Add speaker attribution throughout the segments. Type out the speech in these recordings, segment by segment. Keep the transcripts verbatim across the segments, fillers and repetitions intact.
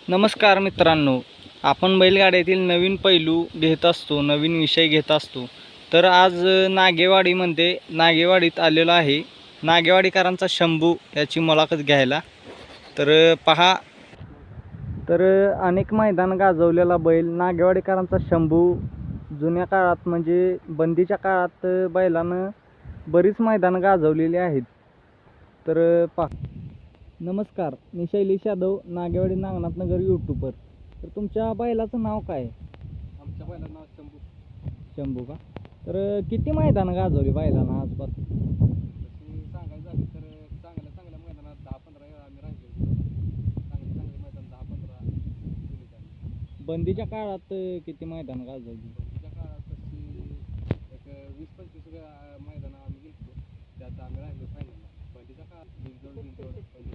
Speaker 1: नमस्कार मित्रांनो, आपण बैलगाड्यातील नवीन पैलू घेत असतो, नवीन विषय घेत असतो. तर आज नागेवाडीमध्ये नागेवाडीत आलेलो आहे नागेवाडीकरांचा शंभू याची मुलाखत घ्यायला. तर पहा, तर अनेक मैदान गाजवलेला बैल नागेवाडीकरांचा शंभू जुन्या काळात म्हणजे बंदीच्या काळात बैलानं बरीच मैदान गाजवलेली आहेत. तर पहा, नमस्कार, मी शैलेश यादव, नागेवाडी नागनाथ नगर यूट्यूबर. तर तुमच्या बैलाचं नाव काय?
Speaker 2: आमच्या बैलाचं नाव शंभू.
Speaker 1: शंभू का? तर किती मैदान गाजवली बैलानं आजपासून?
Speaker 2: तशी सांगायचं झाली तर चांगल्या चांगल्या मैदानात दहा पंधरा वेळा आम्ही राहिलो. चांगले चांगले मैदान दहा पंधरा केली आम्ही.
Speaker 1: बंदीच्या काळात किती मैदान गाजवली?
Speaker 2: बंदीच्या काळात तशी एक वीस पंचवीस मैदान आम्ही गेलो, त्यात आम्ही राहिलो फायनलला. बंदीच्या काळात बिनजोड बिनजोड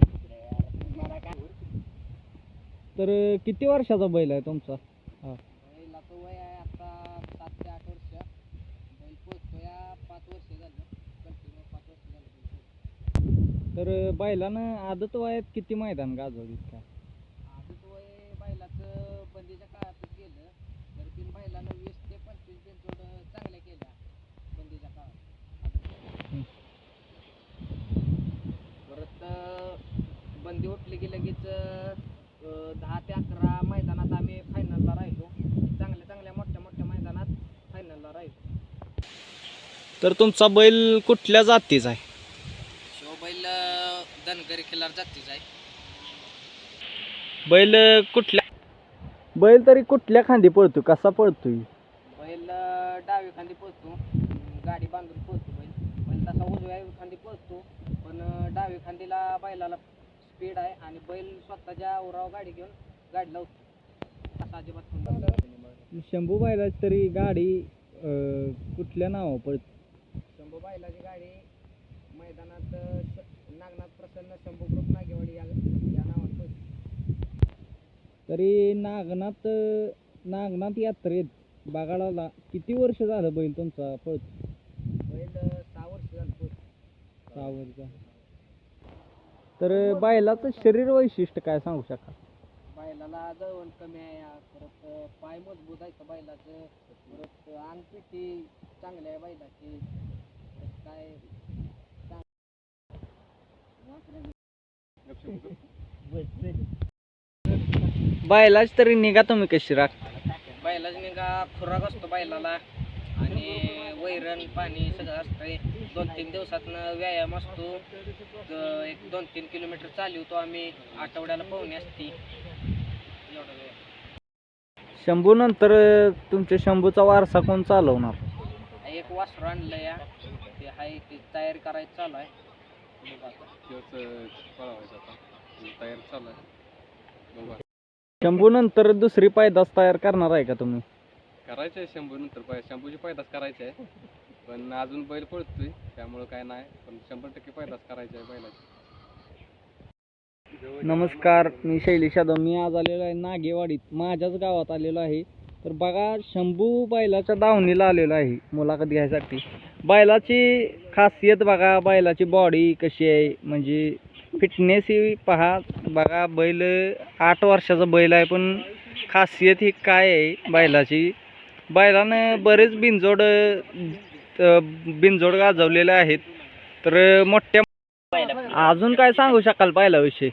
Speaker 1: तर किती वर्षाचा बैल आहे तुमचा? हा,
Speaker 2: बैलाचं वय आहे आता सात ते आठ वर्ष. बैल पोचतोय पाच वर्ष झालं, कंटिन्यू पाच वर्ष झालं.
Speaker 1: तर बैलानं आदत वयात किती मैदान गाजवली का?
Speaker 2: आधीच वय बैलाचं बंदीच्या काळातच गेलं तर तीन बैलानं वीस ते पंचवीस बिनजोड चांगल्या केल्या बंदीच्या काळात. परत बंदी उठली की लगेच दहा ते अकरा मैदानात आम्ही फायनलला राहिलो. चांगल्या चांगल्या मोठ्या मोठ्या मैदानात फायनलला राहिलो.
Speaker 1: तर तुमचा बैल कुठल्या जातीचा आहे?
Speaker 2: शिव बैल धनगरी खिल्लार जातीचा आहे.
Speaker 1: बैल कुठल्या बैल तरी कुठल्या खांदी पळतो, कसा पळतोय?
Speaker 2: बैल डावी खांदी पळतो, गाडी बांधून पळतो. बैल बैल तसा उजव्या खांदी पळतो, पण डावी खांदीला बैलाला स्पीड आहे आणि बैल स्वतःच्या उराव गाडी घेऊन गाडी लावतो. असा अजिबात
Speaker 1: शंभू बैलाची तरी गाडी कुठल्या नावावर पळते?
Speaker 2: शंभू बैलाची गाडी मैदानात नागनाथ प्रसन्न शंभू ग्रुप नागेवाडी या या नावात पळते.
Speaker 1: तरी नागनाथ नागनाथ यात्रेत बगाडाला किती वर्ष झालं बैल तुमचा पळतो?
Speaker 2: बैल सहा वर्ष झालं पळतो.
Speaker 1: सहा वर्ष. तर बैलाचं शरीर वैशिष्ट्य काय सांगू शकाल?
Speaker 2: बैलाला जवळ कमी आहे, परत पाय मजबूत आहे बैलाचं, परत अंगपिठी चांगली आहे बैलाची. काय
Speaker 1: बैलाची तरी निगा तुम्ही कशी राखता?
Speaker 2: बैलाची निगा खुराक असतो बैलाला आणि वैरण पाणी सगळं असतंय. दोन तीन दिवसातनं व्यायाम असतो. एक दोन तीन किलोमीटर चालवतो आम्ही. आठवड्याला पोहणी असती. एवढा वेळ.
Speaker 1: शंभू नंतर तुमच्या शंभूचा वारसा कोण चालवणार?
Speaker 2: एक वासरू आणलं या, ते आहे ते तयारी करायचं चालू आहे. तयारी चालू आहे.
Speaker 1: शंभू नंतर दुसरी पैदास तयार करणार आहे का तुम्ही?
Speaker 2: करायचं आहे शंभू नंतर पाय शंभूची पैदास करायची आहे, पण अजून बैल पळतोय त्यामुळं काय नाही, पण शंभर टक्के पैदास करायची आहे बैलाची.
Speaker 1: नमस्कार, मी शैलेश यादव. मी आज आलेलो आहे नागेवाडीत, माझ्याच गावात आलेलो आहे. तर बघा, शंभू बैलाच्या दावणीला आलेलो आहे मुलाखत घ्यायसाठी. बैलाची खासियत बघा, बैलाची बॉडी कशी आहे, म्हणजे फिटनेस ही पहा. बघा, बैल आठ वर्षाचा बैल आहे, पण खासियत ही काय आहे बैलाची? बैलानं बरेच बिनजोड बिनजोड गाजवलेले आहेत. तर मोठ्या अजून काय सांगू शकाल बैलाविषयी?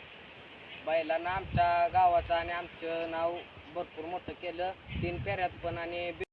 Speaker 1: बैलानं आमच्या गावाचं आणि आमचं नाव भरपूर मोठं केलं. तीन फेऱ्यात पण आणि